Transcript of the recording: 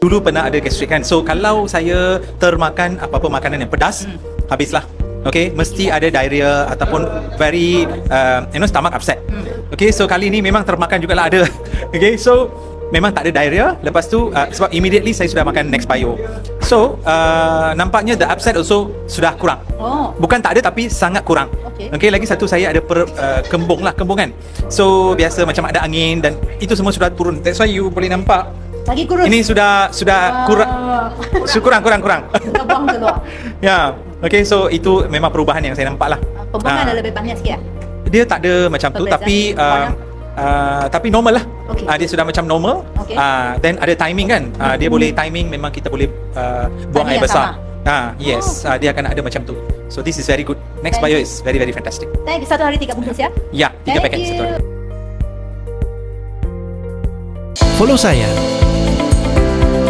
Dulu pernah ada gastrik kan. So kalau saya termakan apa-apa makanan yang pedas, habislah. Okay, mesti ada diarrhea ataupun very stomach upset. Okay, so kali ni memang termakan jugalah ada. Okay, so memang tak ada diarrhea. Lepas tu sebab immediately saya sudah makan Next Bio. So nampaknya the upset also sudah kurang. Bukan tak ada tapi sangat kurang. Okay, lagi satu saya ada kembung kan. So biasa macam ada angin dan itu semua sudah turun. That's why you boleh nampak lagi kurus. ini sudah kurang. Kita buang keluar. Ya. Okay, so itu memang perubahan yang saya nampak lah. Pembuangan dah lebih banyak sikit lah. Dia tak ada macam tu tapi tapi normal lah. Okay. Dia sudah macam normal. Okay. Then ada timing kan. Dia boleh timing, memang kita boleh buang Tadi air yang besar. sama? Yes, dia akan ada macam tu. So this is very good. Next Thank Bio you. is very very fantastic. Thank you. Satu hari 3 bungkus ya. Ya, 3 Thank paket you. satu hari. Follow saya